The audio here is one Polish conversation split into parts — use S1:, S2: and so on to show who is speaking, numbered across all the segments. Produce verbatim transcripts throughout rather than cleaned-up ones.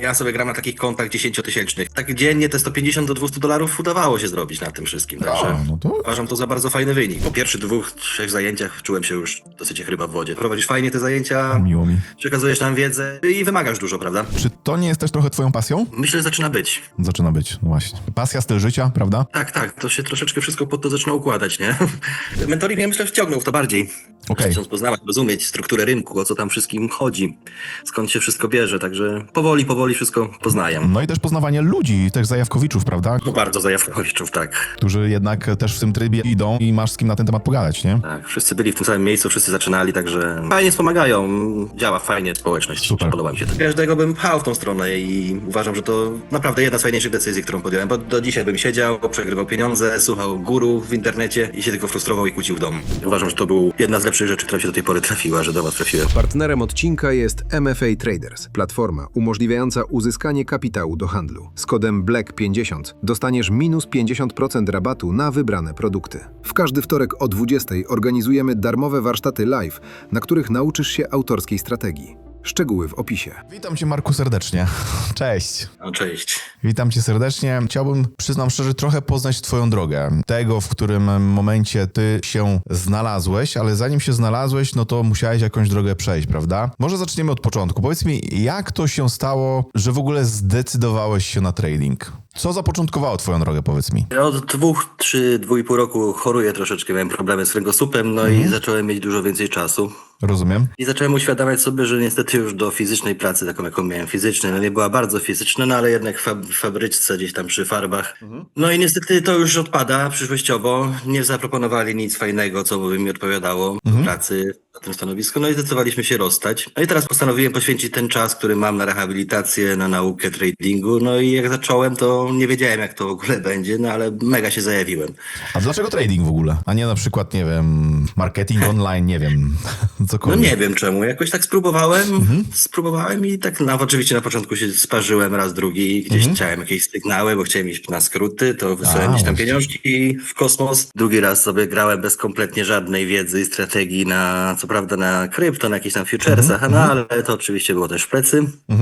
S1: Ja sobie gram na takich kontach dziesięciotysięcznych. Tak dziennie te sto pięćdziesiąt do dwustu dolarów udawało się zrobić na tym wszystkim. Także
S2: A, no to...
S1: uważam to za bardzo fajny wynik. Po pierwszych dwóch, trzech zajęciach czułem się już dosyć jak ryba w wodzie. Prowadzisz fajnie te zajęcia,
S2: Miło mi.
S1: przekazujesz nam wiedzę i wymagasz dużo, prawda?
S2: Czy to nie jest też trochę twoją pasją?
S1: Myślę, że zaczyna być.
S2: Zaczyna być, no właśnie. Pasja, styl życia, prawda?
S1: Tak, tak, to się troszeczkę wszystko pod to zaczyna układać, nie? Mentoring mnie myślę wciągnął w to bardziej.
S2: Okej.
S1: Chcąc poznawać, rozumieć strukturę rynku, o co tam wszystkim chodzi, skąd się wszystko bierze, także powoli, powoli wszystko poznaję.
S2: No i też poznawanie ludzi, też zajawkowiczów, prawda?
S1: No bardzo zajawkowiczów, tak.
S2: Którzy jednak też w tym trybie idą i masz z kim na ten temat pogadać, nie?
S1: Tak, wszyscy byli w tym samym miejscu, wszyscy zaczynali, także fajnie wspomagają, działa fajnie społeczność,
S2: Super.
S1: podoba mi się to. Każdego bym pchał w tą stronę i uważam, że to naprawdę jedna z fajniejszych decyzji, którą podjąłem, bo do dzisiaj bym siedział, przegrywał pieniądze, słuchał guru w internecie i się tylko frustrował i kłócił w domu. Uważam, że to był jedna z lepszych rzeczy, która mi się do tej pory trafiła, że do was trafiłem.
S3: Partnerem odcinka jest M F A Traders, platforma umożliwiająca uzyskanie kapitału do handlu. Z kodem Black pięćdziesiąt dostaniesz minus pięćdziesiąt procent rabatu na wybrane produkty. W każdy wtorek o dwudziestej organizujemy darmowe warsztaty live, na których nauczysz się autorskiej strategii. Szczegóły w opisie.
S2: Witam cię, Marku, serdecznie. Cześć.
S1: No, cześć.
S2: Witam cię serdecznie. Chciałbym, przyznam szczerze, trochę poznać twoją drogę. Tego, w którym momencie ty się znalazłeś, ale zanim się znalazłeś, no to musiałeś jakąś drogę przejść, prawda? Może zaczniemy od początku. Powiedz mi, jak to się stało, że w ogóle zdecydowałeś się na trading? Co zapoczątkowało twoją drogę, powiedz mi?
S1: Ja od dwóch, trzy, dwóch i pół roku choruję troszeczkę, miałem problemy z kręgosłupem, no i zacząłem mieć dużo więcej czasu.
S2: Rozumiem.
S1: I zacząłem uświadamiać sobie, że niestety już do fizycznej pracy, taką jaką miałem fizycznej, no nie była bardzo fizyczna, no ale jednak w fab- w fabryczce gdzieś tam przy farbach. No i niestety to już odpada przyszłościowo. Nie zaproponowali nic fajnego, co by mi odpowiadało do pracy na tym stanowisku, no i zdecydowaliśmy się rozstać. No i teraz postanowiłem poświęcić ten czas, który mam na rehabilitację, na naukę tradingu, no i jak zacząłem, to nie wiedziałem, jak to w ogóle będzie, no ale mega się zajawiłem.
S2: A dlaczego trading w ogóle? A nie na przykład, nie wiem, marketing online, nie wiem,
S1: No
S2: cokolwiek.
S1: nie wiem czemu, jakoś tak spróbowałem, spróbowałem i tak na, oczywiście na początku się sparzyłem raz, drugi, gdzieś chciałem jakieś sygnały, bo chciałem iść na skróty, to wysłałem
S2: A,
S1: gdzieś tam
S2: właśnie.
S1: pieniążki w kosmos. Drugi raz sobie grałem bez kompletnie żadnej wiedzy i strategii na, co prawda na krypto, na jakichś tam futuresach, no ale to oczywiście było też w plecy.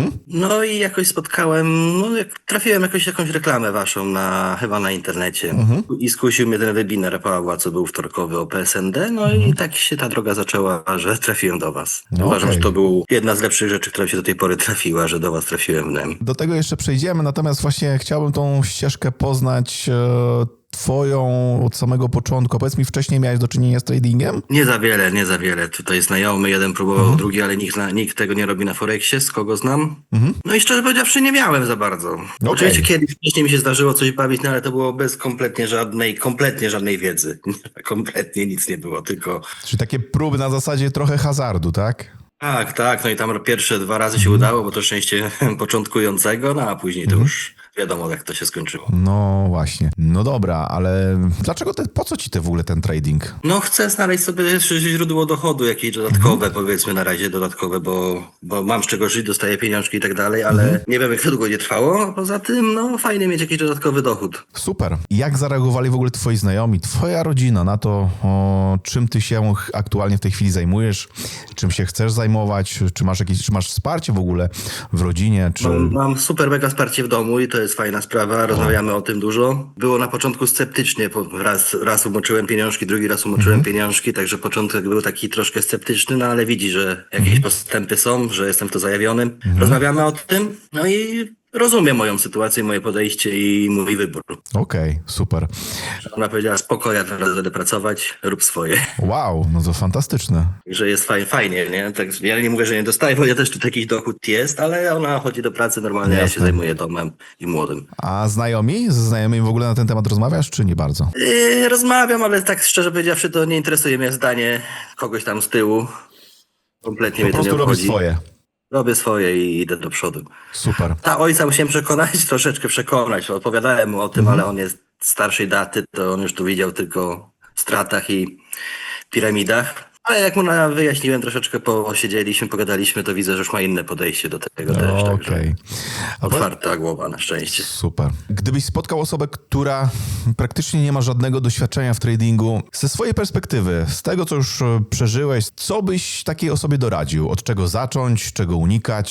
S1: No i jakoś spotkałem, no jak trafiłem jakoś jakąś reklamę waszą na, chyba na internecie i skusił mnie ten webinar Pawła, co był wtorkowy o P S N D, no i tak się ta droga zaczęła, że trafiłem do was.
S2: No
S1: Uważam,
S2: okej.
S1: że to był jedna z lepszych rzeczy, która mi się do tej pory trafiła, że do was trafiłem. Nie?
S2: Do tego jeszcze przejdziemy, natomiast właśnie chciałbym tą ścieżkę poznać e, twoją od samego początku. Powiedz mi, wcześniej miałeś do czynienia z tradingiem?
S1: Nie za wiele, nie za wiele. Tutaj znajomy, jeden próbował, drugi, ale nikt, na, nikt tego nie robi na Forexie, z kogo znam. No i szczerze powiedziawszy, nie miałem za bardzo. Oczywiście kiedyś wcześniej mi się zdarzyło coś bawić, no ale to było bez kompletnie żadnej, kompletnie żadnej wiedzy. Kompletnie nic nie było, tylko...
S2: Czyli takie próby na zasadzie trochę hazardu, tak?
S1: Tak, tak, no i tam pierwsze dwa razy się udało, bo to szczęście początkującego, no a później to już wiadomo, jak to się skończyło.
S2: No właśnie. No dobra, ale dlaczego te, po co ci te w ogóle ten trading?
S1: No chcę znaleźć sobie jeszcze źródło dochodu, jakieś dodatkowe, powiedzmy na razie dodatkowe, bo, bo mam z czego żyć, dostaję pieniążki i tak dalej, ale nie wiem, jak to długo nie trwało, a poza tym, no fajnie mieć jakiś dodatkowy dochód.
S2: Super. Jak zareagowali w ogóle twoi znajomi, twoja rodzina na to, o, czym ty się ch- aktualnie w tej chwili zajmujesz, czym się chcesz zajmować, czy masz jakieś, czy masz wsparcie w ogóle w rodzinie, czy...
S1: Mam, mam super mega wsparcie w domu i to jest fajna sprawa, rozmawiamy o tym dużo. Było na początku sceptycznie, bo raz, raz umoczyłem pieniążki, drugi raz umoczyłem pieniążki, także początek był taki troszkę sceptyczny, no ale widzi, że jakieś postępy są, że jestem w to zajawiony. Rozmawiamy o tym, no i rozumie moją sytuację, moje podejście i mój wybór.
S2: Okej, super.
S1: Ona powiedziała, spoko, ja teraz będę pracować, rób swoje.
S2: Wow, no to fantastyczne.
S1: Że jest fajnie, fajnie, nie? Tak, ja nie mówię, że nie dostaję, bo ja też tu taki dochód jest, ale ona chodzi do pracy normalnie, ja się
S2: Jasne.
S1: zajmuję domem i młodym.
S2: A znajomi? Z znajomymi w ogóle na ten temat rozmawiasz, czy nie bardzo?
S1: Yy, rozmawiam, ale tak szczerze powiedziawszy, to nie interesuje mnie zdanie kogoś tam z tyłu. Kompletnie
S2: Po
S1: mnie to nie
S2: prostu robisz
S1: obchodzi.
S2: swoje.
S1: Robię swoje i idę do przodu.
S2: Super.
S1: Ta ojca musiałem przekonać, troszeczkę przekonać. Opowiadałem mu o tym, ale on jest starszej daty, to on już tu widział tylko w stratach i piramidach. Ale jak mu na- wyjaśniłem, troszeczkę posiedzieliśmy, pogadaliśmy, to widzę, że już ma inne podejście do tego też.
S2: Okej.
S1: Także
S2: A po-
S1: otwarta głowa na szczęście.
S2: Super. Gdybyś spotkał osobę, która praktycznie nie ma żadnego doświadczenia w tradingu, ze swojej perspektywy, z tego, co już e, przeżyłeś, co byś takiej osobie doradził? Od czego zacząć, czego unikać?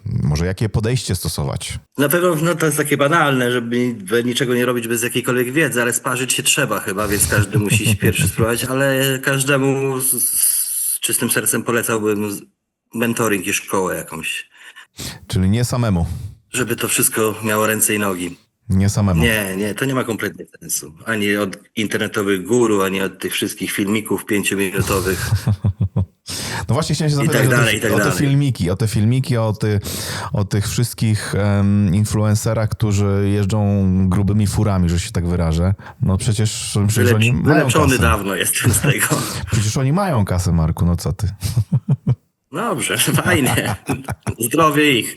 S2: Może jakie podejście stosować?
S1: Na pewno no, to jest takie banalne, żeby niczego nie robić bez jakiejkolwiek wiedzy, ale sparzyć się trzeba chyba, więc każdy musi się pierwszy spróbować, ale każdemu z, z czystym sercem polecałbym mentoring i szkołę jakąś,
S2: Czyli nie samemu.
S1: żeby to wszystko miało ręce i nogi.
S2: Nie samemu.
S1: Nie, nie, to nie ma kompletnie sensu. Ani od internetowych guru, ani od tych wszystkich filmików pięciominutowych.
S2: No właśnie chciałem się
S1: I
S2: zapytać
S1: tak
S2: o, te,
S1: dalej, i tak
S2: o te
S1: dalej.
S2: filmiki, o te filmiki, o, ty, o tych wszystkich um, influencerach, którzy jeżdżą grubymi furami, że się tak wyrażę. No przecież, przecież
S1: Wylecz,
S2: oni mają
S1: wylepszony
S2: kasę.
S1: dawno jestem z tego.
S2: Przecież oni mają kasę, Marku, no co ty?
S1: Dobrze, fajnie. Zdrowie ich.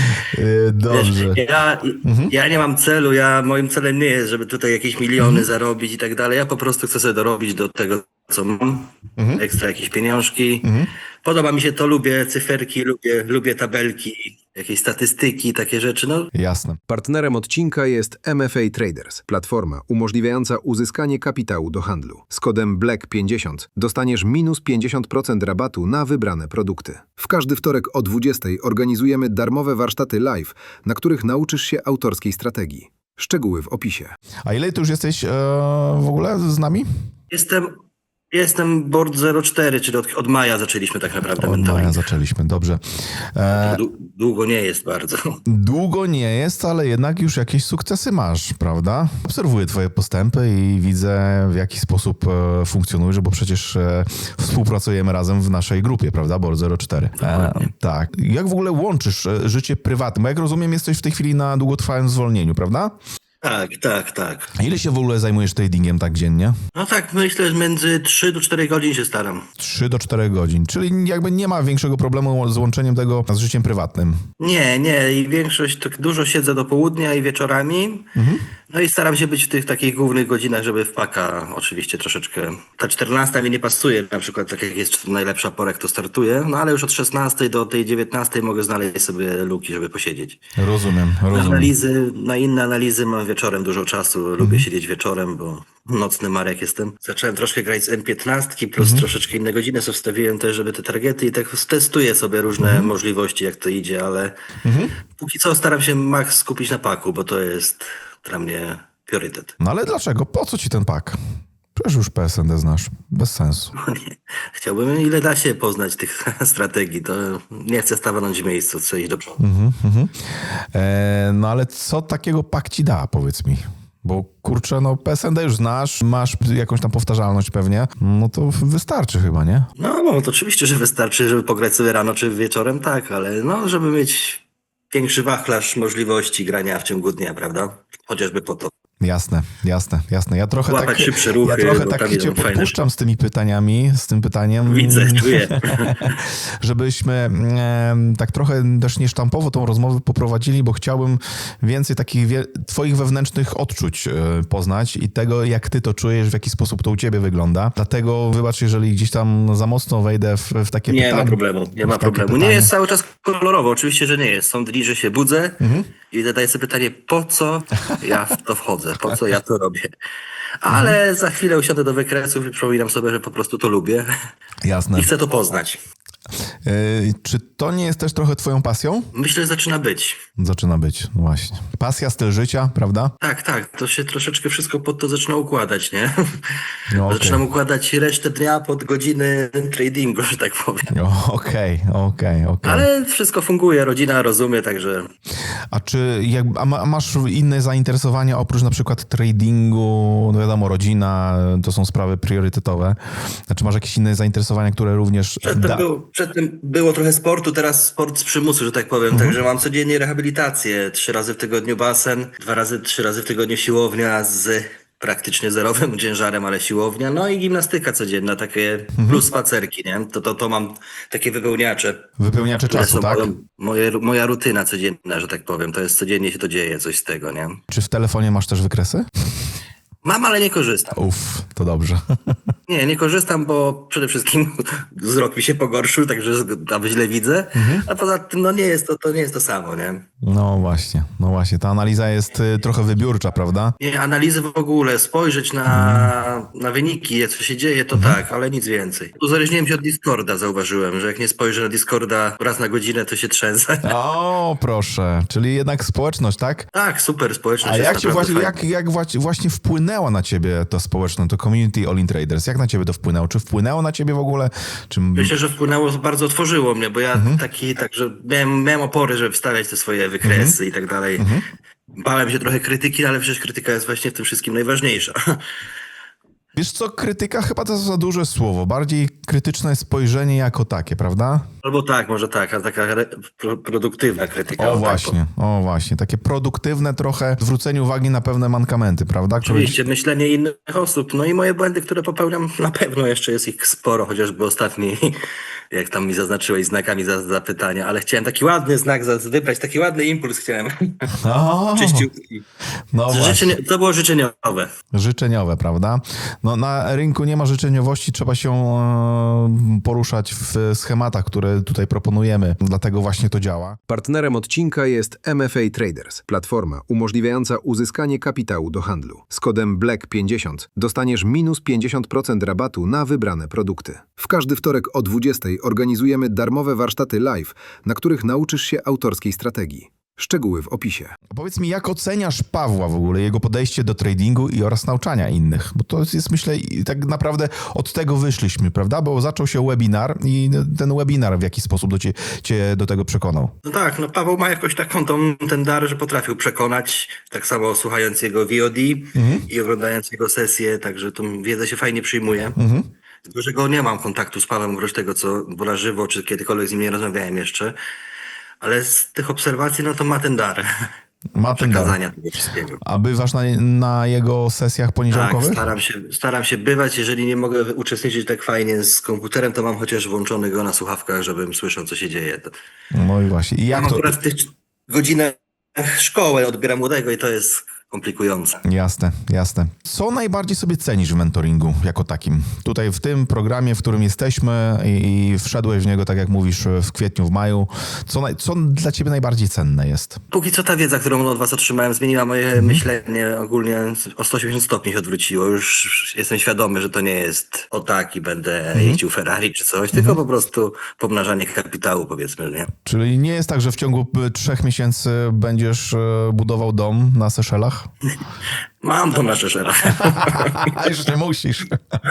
S2: Yy, dobrze.
S1: Wiesz, ja, ja nie mam celu, ja moim celem nie jest, żeby tutaj jakieś miliony zarobić i tak dalej. Ja po prostu chcę sobie dorobić do tego, co mam. Ekstra jakieś pieniążki. Podoba mi się to, lubię cyferki, lubię, lubię tabelki, jakieś statystyki, takie rzeczy. No,
S2: Jasne.
S3: Partnerem odcinka jest M F A Traders, platforma umożliwiająca uzyskanie kapitału do handlu. Z kodem Black pięćdziesiąt dostaniesz minus pięćdziesiąt procent rabatu na wybrane produkty. W każdy wtorek o dwudziestej organizujemy darmowe warsztaty live, na których nauczysz się autorskiej strategii. Szczegóły w opisie.
S2: A ile ty już jesteś e, w ogóle z nami?
S1: jestem, jestem board zero cztery, czyli od, od maja zaczęliśmy tak naprawdę
S2: Od maja
S1: mentoring.
S2: zaczęliśmy, dobrze. E,
S1: Dłu- Długo nie jest bardzo.
S2: Długo nie jest, ale jednak już jakieś sukcesy masz, prawda? Obserwuję twoje postępy i widzę, w jaki sposób e, funkcjonujesz, bo przecież e, współpracujemy razem w naszej grupie, prawda? board zero cztery. E, tak. Jak w ogóle łączysz e, życie prywatne? Bo jak rozumiem, jesteś w tej chwili na długotrwałym zwolnieniu, prawda?
S1: Tak, tak, tak.
S2: A ile się w ogóle zajmujesz tradingiem tak dziennie?
S1: No tak, myślę, że między trzy do czterech godzin się staram.
S2: trzy do czterech godzin, czyli jakby nie ma większego problemu z łączeniem tego z życiem prywatnym.
S1: Nie, nie. I większość, tak dużo siedzę do południa i wieczorami. No i staram się być w tych takich głównych godzinach, żeby w paka oczywiście troszeczkę. Ta czternasta mi nie pasuje, na przykład tak jak jest najlepsza pora, jak to startuje. No ale już od szesnastej do tej dziewiętnastej mogę znaleźć sobie luki, żeby posiedzieć.
S2: Rozumiem,
S1: Na
S2: rozumiem.
S1: analizy, na inne analizy mam wieczorem dużo czasu. Lubię siedzieć wieczorem, bo nocny Marek jestem. Zacząłem troszkę grać z M piętnaście, plus troszeczkę inne godziny sobie wstawiłem też, żeby te targety i tak testuję sobie różne możliwości, jak to idzie, ale póki co staram się max skupić na paku, bo to jest dla mnie priorytet.
S2: No ale dlaczego? Po co ci ten pak? Przecież już P S N D znasz. Bez sensu.
S1: Chciałbym, ile da się poznać tych strategii, to nie chcę stanąć w miejscu, chcę iść do przodu.
S2: E, no ale co takiego pak ci da, powiedz mi? Bo kurczę, no P S N D już znasz, masz jakąś tam powtarzalność pewnie, no to wystarczy chyba, nie?
S1: No, no to oczywiście, że wystarczy, żeby pograć sobie rano czy wieczorem, tak, ale no, żeby mieć większy wachlarz możliwości grania w ciągu dnia, prawda? Chociażby po to.
S2: Jasne, jasne, jasne. Ja trochę
S1: Łapać
S2: tak,
S1: szybsze ruchy,
S2: ja trochę
S1: bo
S2: tak
S1: tam
S2: cię
S1: idą fajne
S2: podpuszczam z tymi pytaniami, z tym pytaniem.
S1: Widzę, czuję.
S2: Żebyśmy em, tak trochę też niesztampowo tą rozmowę poprowadzili, bo chciałbym więcej takich wie- twoich wewnętrznych odczuć e, poznać i tego, jak ty to czujesz, w jaki sposób to u ciebie wygląda. Dlatego wybacz, jeżeli gdzieś tam za mocno wejdę w, w takie
S1: Nie
S2: pytania.
S1: ma problemu, nie
S2: w
S1: ma
S2: takie
S1: problemu. Nie
S2: pytania.
S1: jest cały czas kolorowo, oczywiście, że nie jest. Są dni, że się budzę i zadaję sobie pytanie, po co ja w to wchodzę, po co ja to robię. Ale za chwilę usiądę do wykresów i przypominam sobie, że po prostu to lubię
S2: Jasne.
S1: i chcę to poznać.
S2: E, czy to nie jest też trochę twoją pasją?
S1: Myślę, że zaczyna być.
S2: Zaczyna być, no właśnie. Pasja, styl życia, prawda?
S1: Tak, tak, to się troszeczkę wszystko pod to zaczyna układać, nie?
S2: No, okej.
S1: Zaczynam układać resztę dnia pod godziny tradingu, że tak powiem.
S2: O, Okej, okej, okej.
S1: Ale wszystko funguje, rodzina rozumie, także
S2: A czy jak, a ma, masz inne zainteresowania oprócz na przykład tradingu, no wiadomo, rodzina, to są sprawy priorytetowe. Znaczy masz jakieś inne zainteresowania, które również
S1: przedtem,
S2: da...
S1: był, przedtem było trochę sportu, teraz sport z przymusu, że tak powiem. Także mam codziennie rehabilitację, trzy razy w tygodniu basen, dwa razy, trzy razy w tygodniu siłownia z praktycznie zerowym ciężarem, ale siłownia, no i gimnastyka codzienna, takie plus spacerki, nie? To, to, to mam takie wypełniacze.
S2: Wypełniacze
S1: które
S2: czasu,
S1: są
S2: tak?
S1: moją- Moje, moja rutyna codzienna, że tak powiem. To jest codziennie się to dzieje, coś z tego, nie?
S2: Czy w telefonie masz też wykresy?
S1: Mam, ale nie korzystam.
S2: Uff, to dobrze.
S1: Nie, nie korzystam, bo przede wszystkim wzrok mi się pogorszył, także tam źle widzę, a poza tym no nie jest to, to nie jest to samo, nie?
S2: No właśnie, no właśnie, ta analiza jest y, trochę wybiórcza, prawda?
S1: Nie, analizy w ogóle, spojrzeć na, na wyniki, co się dzieje, to tak, ale nic więcej. Uzależniłem się od Discorda, zauważyłem, że jak nie spojrzę na Discorda raz na godzinę, to się trzęsę.
S2: O, proszę, czyli jednak społeczność, tak?
S1: Tak, super, społeczność
S2: A
S1: jest
S2: jak, się
S1: naprawdę
S2: właśnie,
S1: fajna.
S2: jak, jak właśnie- właśnie wpłynęła na ciebie to społeczność, to community All In Traders? Jak na ciebie to wpłynęło? Czy wpłynęło na ciebie w ogóle? Czy...
S1: Myślę, że wpłynęło, bardzo otworzyło mnie, bo ja taki, także miałem, miałem opory, żeby wstawiać te swoje wykresy i tak dalej. Bałem się trochę krytyki, ale przecież krytyka jest właśnie w tym wszystkim najważniejsza.
S2: Wiesz co, krytyka chyba to za duże słowo. Bardziej krytyczne spojrzenie jako takie, prawda?
S1: Albo tak, może tak, a taka re, pro, produktywna krytyka.
S2: O
S1: tak,
S2: właśnie, o właśnie. Takie produktywne trochę zwrócenie uwagi na pewne mankamenty, prawda? Które...
S1: Oczywiście, myślenie innych osób. No i moje błędy, które popełniam, na pewno jeszcze jest ich sporo, chociażby ostatni, jak tam mi zaznaczyłeś znakami za, zapytania, ale chciałem taki ładny znak za, wybrać, taki ładny impuls chciałem.
S2: O,
S1: Czyściutki.
S2: no właśnie.
S1: Życzenie, to było życzeniowe.
S2: Życzeniowe, prawda? No na rynku nie ma życzeniowości, trzeba się e, poruszać w schematach, które tutaj proponujemy, dlatego właśnie to działa.
S3: Partnerem odcinka jest M F A Traders, platforma umożliwiająca uzyskanie kapitału do handlu. Z kodem Black pięćdziesiąt dostaniesz minus pięćdziesiąt procent rabatu na wybrane produkty. W każdy wtorek o dwudziestej organizujemy darmowe warsztaty live, na których nauczysz się autorskiej strategii. Szczegóły w opisie.
S2: Powiedz mi, jak oceniasz Pawła w ogóle, jego podejście do tradingu i oraz nauczania innych? Bo to jest, myślę, i tak naprawdę od tego wyszliśmy, prawda? Bo zaczął się webinar i ten webinar w jaki sposób do cię, cię do tego przekonał?
S1: No tak, no Paweł ma jakoś taką tą, ten dar, że potrafił przekonać, tak samo słuchając jego V O D i oglądając jego sesje, także tą wiedzę się fajnie przyjmuje. Z dużego nie mam kontaktu z Pawłem, oprócz tego, co bo na żywo, czy kiedykolwiek z nim nie rozmawiałem jeszcze, ale z tych obserwacji, no to ma ten dar
S2: Ma ten dar.
S1: przekazania tego wszystkiego.
S2: A bywasz na, na jego sesjach
S1: Tak,
S2: poniedziałkowych?
S1: staram się, staram się bywać. Jeżeli nie mogę uczestniczyć tak fajnie z komputerem, to mam chociaż włączony go na słuchawkach, żebym słyszał, co się dzieje. To...
S2: No i właśnie. I
S1: Ja
S2: jak
S1: mam
S2: to...
S1: akurat w tych godzinach szkoły odbieram młodego i to jest komplikujące.
S2: Jasne, jasne. Co najbardziej sobie cenisz w mentoringu jako takim? Tutaj w tym programie, w którym jesteśmy i, i wszedłeś w niego, tak jak mówisz, w kwietniu, w maju. Co, naj, co dla ciebie najbardziej cenne jest?
S1: Póki co ta wiedza, którą od was otrzymałem, zmieniła moje myślenie ogólnie o sto osiemdziesiąt stopni się odwróciło. Już jestem świadomy, że to nie jest o tak i będę jeździł Ferrari czy coś, tylko po prostu pomnażanie kapitału, powiedzmy, nie?
S2: Czyli nie jest tak, że w ciągu y, trzech miesięcy będziesz y, budował dom na Seszelach?
S1: Mam to na Seszelach.
S2: A już nie musisz.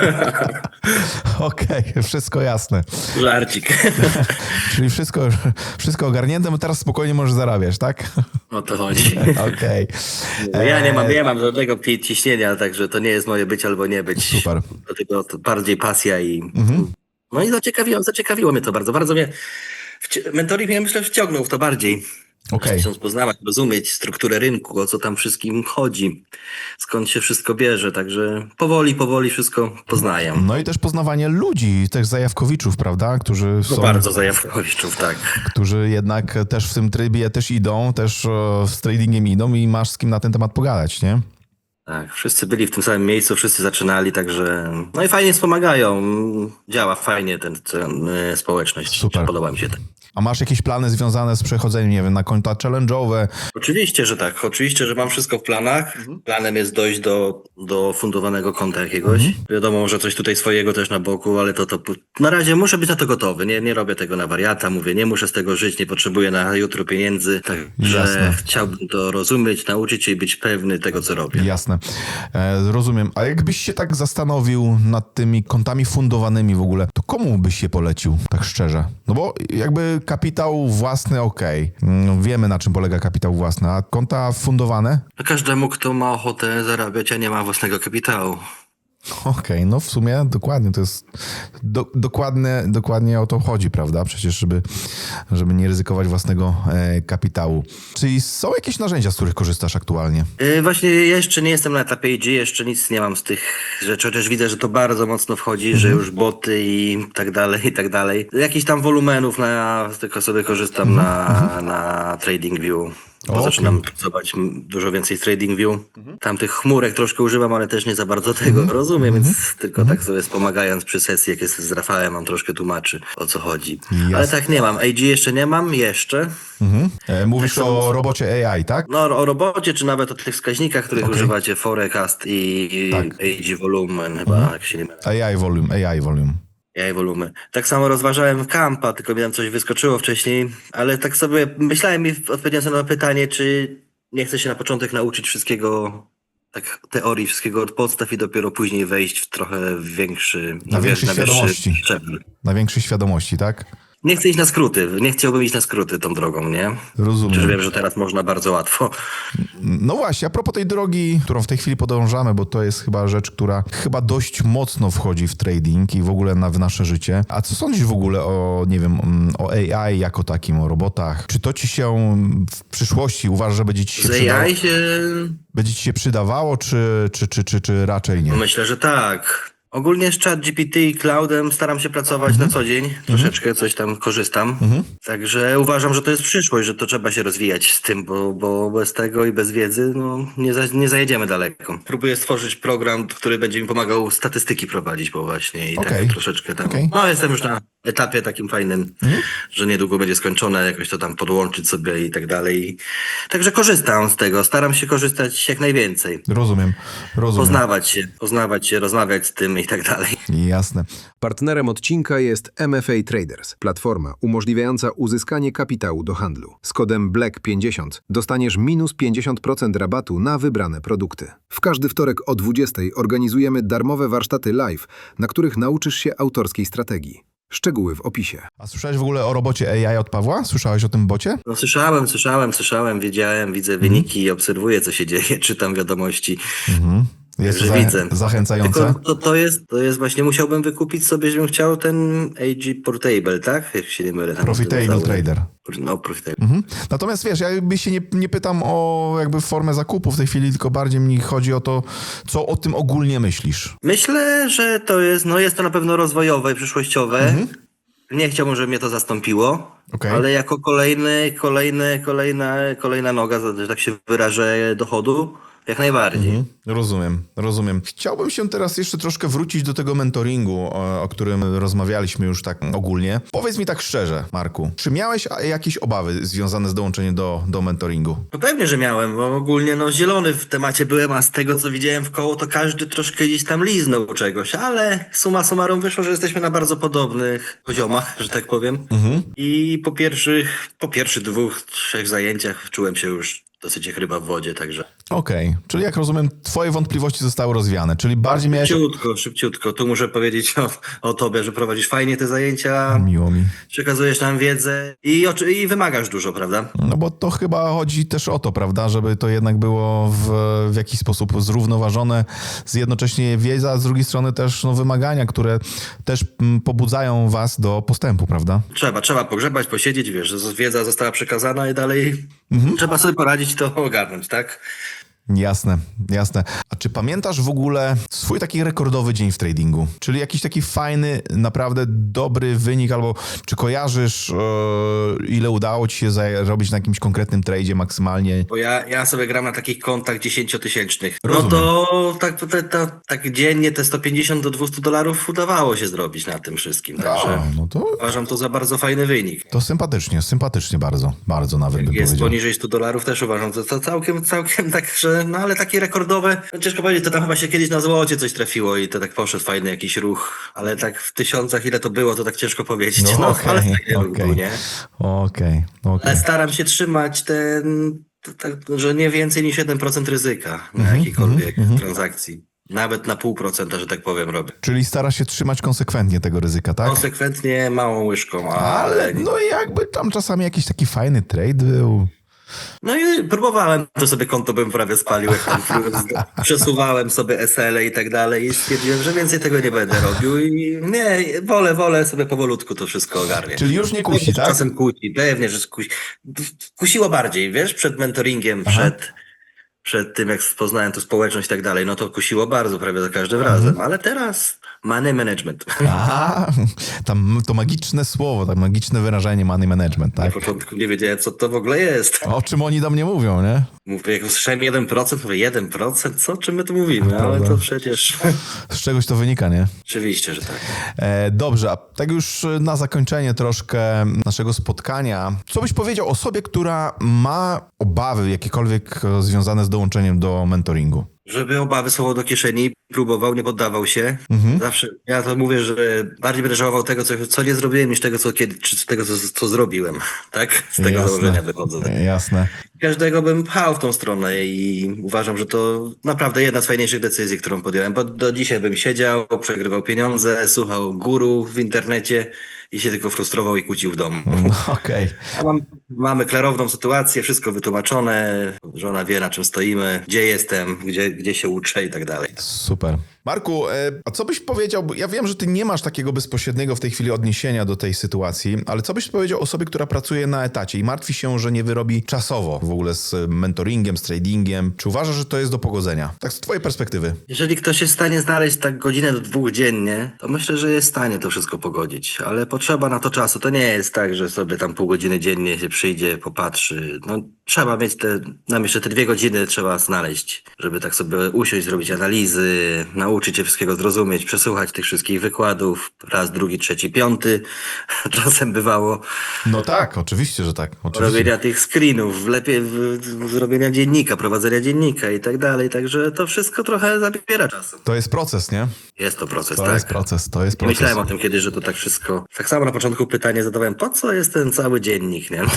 S2: Okej, wszystko jasne.
S1: Żarcik.
S2: Czyli wszystko, wszystko ogarnięte, bo teraz spokojnie możesz zarabiać, tak?
S1: O to chodzi.
S2: Okej.
S1: Ja nie mam, nie mam żadnego pi- ciśnienia, także to nie jest moje być albo nie być.
S2: Super.
S1: Dlatego to bardziej pasja i... No i zaciekawiło, zaciekawiło mnie to bardzo. Bardzo mnie... Wci- mentoring mnie, myślę, wciągnął w to bardziej.
S2: Okej.
S1: Chcąc poznawać, rozumieć strukturę rynku, o co tam wszystkim chodzi, skąd się wszystko bierze, także powoli, powoli wszystko poznaję.
S2: No i też poznawanie ludzi, też zajawkowiczów, prawda? Którzy
S1: No
S2: są...
S1: bardzo zajawkowiczów, tak.
S2: którzy jednak też w tym trybie też idą, też e, z tradingiem idą i masz z kim na ten temat pogadać, nie?
S1: Tak, wszyscy byli w tym samym miejscu, wszyscy zaczynali, także no i fajnie wspomagają. Działa fajnie ten, ten y, społeczność.
S2: Super.
S1: Podoba mi się to.
S2: A masz jakieś plany związane z przechodzeniem, nie wiem, na konta challenge'owe?
S1: Oczywiście, że tak. Oczywiście, że mam wszystko w planach. Planem jest dojść do, do fundowanego konta jakiegoś. Wiadomo, że coś tutaj swojego też na boku, ale to, to na razie muszę być na to gotowy. Nie, nie robię tego na wariata, mówię, nie muszę z tego żyć, nie potrzebuję na jutro pieniędzy. Także
S2: Jasne.
S1: chciałbym to rozumieć, nauczyć się i być pewny tego, co robię.
S2: Jasne, e, rozumiem. A jakbyś się tak zastanowił nad tymi kontami fundowanymi w ogóle, to komu byś się polecił, tak szczerze? No bo jakby kapitał własny, okej. Mm, Wiemy, na czym polega kapitał własny, a konta fundowane?
S1: Każdemu, kto ma ochotę zarabiać, a nie ma własnego kapitału.
S2: Okej, no w sumie dokładnie, to jest do, dokładnie, dokładnie o to chodzi, prawda? Przecież, żeby, żeby nie ryzykować własnego e, kapitału. Czyli są jakieś narzędzia, z których korzystasz aktualnie?
S1: Yy, właśnie jeszcze nie jestem na etapie A G, jeszcze nic nie mam z tych rzeczy, chociaż widzę, że to bardzo mocno wchodzi, że już boty i tak dalej, i tak dalej. Jakichś tam wolumenów na, tylko sobie korzystam na, na TradingView. Bo
S2: O,
S1: zaczynam
S2: okej.
S1: pracować m, dużo więcej z TradingView. Tam tych chmurek troszkę używam, ale też nie za bardzo tego rozumiem, więc tylko tak sobie wspomagając przy sesji, jak jest z Rafałem, on troszkę tłumaczy, o co chodzi. Ale
S2: Jasne.
S1: tak nie mam. A G jeszcze nie mam, jeszcze.
S2: Mhm. E, mówisz
S1: Tak samo-
S2: o robocie A I, tak?
S1: No o robocie, czy nawet o tych wskaźnikach, których
S2: Okej.
S1: używacie, Forecast i, i
S2: Tak.
S1: A G Volumen, chyba, jak się nie mylę.
S2: A I volume, A I volume.
S1: A I Volumen. Tak samo rozważałem Kampa, tylko mi tam coś wyskoczyło wcześniej, ale tak sobie myślałem i odpowiedziałem sobie na pytanie, czy nie chcę się na początek nauczyć wszystkiego, tak teorii, wszystkiego od podstaw i dopiero później wejść w trochę większy,
S2: Na większej świadomości.
S1: szczebel.
S2: Na większej świadomości, tak?
S1: Nie chcę iść na skróty, nie chciałbym iść na skróty tą drogą, nie? Chociaż
S2: Rozumiem.
S1: wiem, że teraz można bardzo łatwo.
S2: No właśnie, a propos tej drogi, którą w tej chwili podążamy, bo to jest chyba rzecz, która chyba dość mocno wchodzi w trading i w ogóle na, w nasze życie. A co sądzisz w ogóle o, nie wiem, mm, o A I jako takim, o robotach? Czy to ci się w przyszłości uważasz, że będzie ci się,
S1: Z
S2: przydało,
S1: A I się...
S2: będzie ci się przydawało, czy, czy, czy, czy, czy raczej nie?
S1: Myślę, że tak. Ogólnie z ChatGPT i Cloudem staram się pracować na co dzień. Troszeczkę coś tam korzystam. Także uważam, że to jest przyszłość, że to trzeba się rozwijać z tym, bo, bo bez tego i bez wiedzy no, nie, za, nie zajedziemy daleko. Próbuję stworzyć program, który będzie mi pomagał statystyki prowadzić, bo właśnie i
S2: Okej.
S1: tak troszeczkę tam.
S2: Okej.
S1: No jestem już na etapie takim fajnym, że niedługo będzie skończone, jakoś to tam podłączyć sobie i tak dalej. Także korzystam z tego, staram się korzystać jak najwięcej.
S2: Rozumiem, rozumiem.
S1: Poznawać się, poznawać się, rozmawiać z tym i tak dalej.
S2: Jasne.
S3: Partnerem odcinka jest M F A Traders, platforma umożliwiająca uzyskanie kapitału do handlu. Z kodem Black pięćdziesiąt dostaniesz minus pięćdziesiąt procent rabatu na wybrane produkty. W każdy wtorek o dwudziestej organizujemy darmowe warsztaty live, na których nauczysz się autorskiej strategii. Szczegóły w opisie.
S2: A słyszałeś w ogóle o robocie A I od Pawła? Słyszałeś o tym bocie?
S1: No słyszałem, słyszałem, słyszałem, wiedziałem, widzę wyniki, obserwuję co się dzieje, czytam wiadomości.
S2: Mhm. Jest to
S1: Także
S2: za,
S1: widzę.
S2: zachęcające?
S1: Tylko to, to jest, to jest właśnie, musiałbym wykupić sobie, żebym chciał ten A G Portable, tak? Jak się nie mylę. tam
S2: Profitable
S1: cały-
S2: trader.
S1: No, Profitable.
S2: Mhm. Natomiast wiesz, ja jakby się nie, nie pytam o jakby formę zakupu w tej chwili, tylko bardziej mi chodzi o to, co o tym ogólnie myślisz.
S1: Myślę, że to jest, no jest to na pewno rozwojowe i przyszłościowe. Nie chciałbym, żeby mnie to zastąpiło,
S2: Okej.
S1: ale jako kolejny, kolejny, kolejna, kolejna noga, że tak się wyrażę, dochodu, jak najbardziej.
S2: Mhm. Rozumiem, rozumiem. Chciałbym się teraz jeszcze troszkę wrócić do tego mentoringu, o, o którym rozmawialiśmy już tak ogólnie. Powiedz mi tak szczerze, Marku, czy miałeś a, jakieś obawy związane z dołączeniem do, do mentoringu?
S1: No pewnie, że miałem, bo ogólnie no zielony w temacie byłem, a z tego co widziałem w koło, to każdy troszkę gdzieś tam liznął czegoś, ale summa summarum wyszło, że jesteśmy na bardzo podobnych poziomach, że tak powiem. I po pierwszych, po pierwszych dwóch, trzech zajęciach czułem się już dosyć jak ryba w wodzie, także
S2: Okej, czyli jak rozumiem, twoje wątpliwości zostały rozwiane, czyli bardziej miałeś...
S1: szybciutko, szybciutko. Tu muszę powiedzieć o, o tobie, że prowadzisz fajnie te zajęcia,
S2: Miło mi.
S1: przekazujesz nam wiedzę i, oczy- i wymagasz dużo, prawda?
S2: No bo to chyba chodzi też o to, prawda, żeby to jednak było w, w jakiś sposób zrównoważone, z jednocześnie wiedza, a z drugiej strony też no, wymagania, które też mm, pobudzają was do postępu, prawda?
S1: Trzeba, trzeba pogrzebać, posiedzieć, wiesz, że wiedza została przekazana i dalej trzeba sobie poradzić to ogarnąć, tak?
S2: Jasne, jasne. A czy pamiętasz w ogóle swój taki rekordowy dzień w tradingu? Czyli jakiś taki fajny, naprawdę dobry wynik, albo czy kojarzysz, e, ile udało ci się zarobić na jakimś konkretnym tradzie maksymalnie?
S1: Bo ja, ja sobie gram na takich kontach dziesięciotysięcznych. No
S2: Rozumiem.
S1: to tak, to, to, tak dziennie te sto pięćdziesiąt do dwustu dolarów udawało się zrobić na tym wszystkim, także
S2: A, no to,
S1: uważam to za bardzo fajny wynik.
S2: to sympatycznie, sympatycznie bardzo, bardzo nawet bym
S1: Jest
S2: powiedział.
S1: poniżej stu dolarów też uważam, to, to całkiem, całkiem tak, że no ale takie rekordowe, no ciężko powiedzieć, to tam chyba się kiedyś na złocie coś trafiło i to tak poszedł fajny jakiś ruch, ale tak w tysiącach ile to było, to tak ciężko powiedzieć, no,
S2: No okej,
S1: ale fajny ruch
S2: okej.
S1: był, nie?
S2: Okej, okej.
S1: Ale staram się trzymać ten, to, tak, że nie więcej niż jeden procent ryzyka na jakiejkolwiek transakcji. Nawet na pół procenta, że tak powiem, robię.
S2: Czyli starasz się trzymać konsekwentnie tego ryzyka, tak?
S1: Konsekwentnie małą łyżką, ale...
S2: Ale no jakby tam czasami jakiś taki fajny trade był.
S1: No i próbowałem, to sobie konto bym prawie spalił, jak tam przesuwałem sobie S L i tak dalej i stwierdziłem, że więcej tego nie będę robił i nie, wolę, wolę sobie powolutku to wszystko ogarniać.
S2: Czyli już nie kusi, tak?
S1: Czasem kusi, pewnie, że kusi. Kusiło bardziej, wiesz, przed mentoringiem, przed, przed tym, jak poznałem tu społeczność i tak dalej, no to kusiło bardzo, prawie za każdym razem, ale teraz Money management.
S2: A, tam to magiczne słowo, tak magiczne wyrażenie money management,
S1: Na
S2: tak?
S1: początku nie wiedziałem, co to w ogóle jest.
S2: O czym oni do mnie mówią, nie?
S1: Mówię, jak usłyszałem jeden procent, mówię, jeden procent? Co? O czym my tu mówimy? Ale
S2: Prawda.
S1: to przecież...
S2: Z czegoś to wynika, nie?
S1: Oczywiście, że tak.
S2: E, dobrze, a tak już na zakończenie troszkę naszego spotkania. Co byś powiedział osobie, która ma obawy jakiekolwiek e, związane z dołączeniem do mentoringu?
S1: Żeby obawy słowo do kieszeni, próbował, nie poddawał się. Zawsze, ja to mówię, że bardziej będę żałował tego, co, co nie zrobiłem, niż tego, co kiedy, czy tego, co, co zrobiłem. Tak? Z tego założenia wychodzę.
S2: Jasne.
S1: Każdego bym pchał w tą stronę i uważam, że to naprawdę jedna z fajniejszych decyzji, którą podjąłem, bo do dzisiaj bym siedział, przegrywał pieniądze, słuchał guru w internecie i się tylko frustrował i kłócił w domu.
S2: No, okej.
S1: A mam, mamy klarowną sytuację, wszystko wytłumaczone, żona wie, na czym stoimy, gdzie jestem, gdzie, gdzie się uczę i tak dalej.
S2: Super. Marku, e, a co byś powiedział, bo ja wiem, że ty nie masz takiego bezpośredniego w tej chwili odniesienia do tej sytuacji, ale co byś powiedział osobie, która pracuje na etacie i martwi się, że nie wyrobi czasowo w ogóle z mentoringiem, z tradingiem? Czy uważasz, że to jest do pogodzenia? Tak z twojej perspektywy.
S1: Jeżeli ktoś jest w stanie znaleźć tak godzinę do dwóch dziennie, to myślę, że jest w stanie to wszystko pogodzić, ale potrzeba na to czasu. To nie jest tak, że sobie tam pół godziny dziennie się przyjdzie, popatrzy. No, trzeba mieć te, nam jeszcze te dwie godziny trzeba znaleźć, żeby tak sobie usiąść, zrobić analizy, nauczyć się wszystkiego zrozumieć, przesłuchać tych wszystkich wykładów, raz, drugi, trzeci, piąty. Czasem bywało
S2: No tak, oczywiście, że tak. Oczywiście.
S1: robienia tych screenów, lepiej w, w, zrobienia dziennika, prowadzenia dziennika i tak dalej, także to wszystko trochę zabiera czasu.
S2: To jest proces, nie?
S1: Jest to proces,
S2: To
S1: tak.
S2: jest proces, to jest
S1: Nie
S2: proces.
S1: myślałem o tym kiedyś, że to tak wszystko... Tak samo na początku pytanie zadawałem, po co jest ten cały dziennik, nie?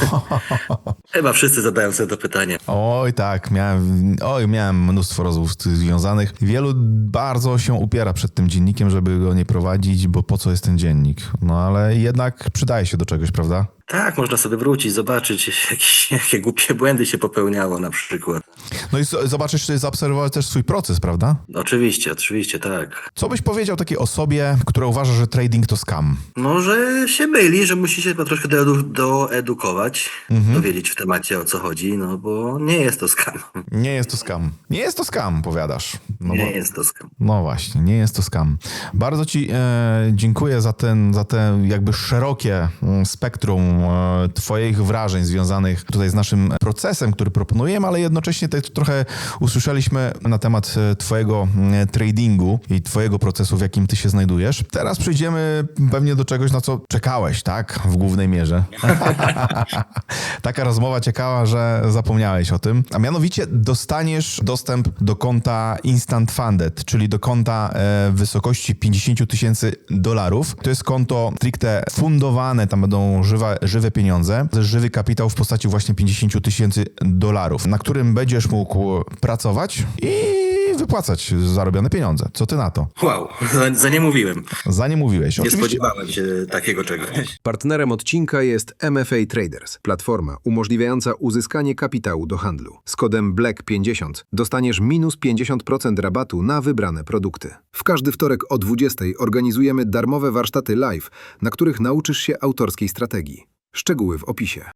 S1: Chyba wszyscy zadają sobie to pytanie.
S2: Oj tak, miałem, oj, miałem mnóstwo rozmów z tym związanych. Wielu bardzo się upiera przed tym dziennikiem, żeby go nie prowadzić, bo po co jest ten dziennik? No ale jednak przydaje się do czegoś, prawda?
S1: Tak, można sobie wrócić, zobaczyć, jakieś, jakie głupie błędy się popełniało na przykład.
S2: No i z- zobaczysz, zaobserwować też swój proces, prawda?
S1: Oczywiście, oczywiście, tak.
S2: Co byś powiedział takiej osobie, która uważa, że trading to scam?
S1: No, że się myli, że musi się troszkę doedu- doedukować, dowiedzieć w temacie, o co chodzi, no bo nie jest to skam.
S2: Nie jest to scam. Nie jest to scam, powiadasz. No,
S1: Nie
S2: bo,
S1: jest to skam.
S2: no właśnie, nie jest to scam. Bardzo ci e, dziękuję za ten, za te jakby szerokie mm, spektrum e, twoich wrażeń związanych tutaj z naszym procesem, który proponujemy, ale jednocześnie też trochę usłyszeliśmy na temat e, twojego mm, tradingu i twojego procesu, w jakim ty się znajdujesz. Teraz przejdziemy pewnie do czegoś, na co czekałeś, tak? W głównej mierze. Taka rozmowa ciekawa, że zapomniałeś o tym. A mianowicie dostaniesz dostęp do konta Instant Funded, czyli do konta e, w wysokości pięćdziesiąt tysięcy dolarów. To jest konto stricte fundowane, tam będą żywe, żywe pieniądze, żywy kapitał w postaci właśnie pięćdziesiąt tysięcy dolarów, na którym będziesz mógł pracować i wypłacać zarobione pieniądze. Co ty na to?
S1: Wow, za, za nie mówiłem.
S2: Za nie mówiłeś.
S1: Nie
S2: Oczywiście.
S1: spodziewałem się takiego czegoś.
S3: Partnerem odcinka jest M F A Traders, platforma umożliwiająca uzyskanie kapitału do handlu. Z kodem Black pięćdziesiąt dostaniesz minus pięćdziesiąt procent rabatu na wybrane produkty. W każdy wtorek o dwudziestej organizujemy darmowe warsztaty live, na których nauczysz się autorskiej strategii. Szczegóły w opisie.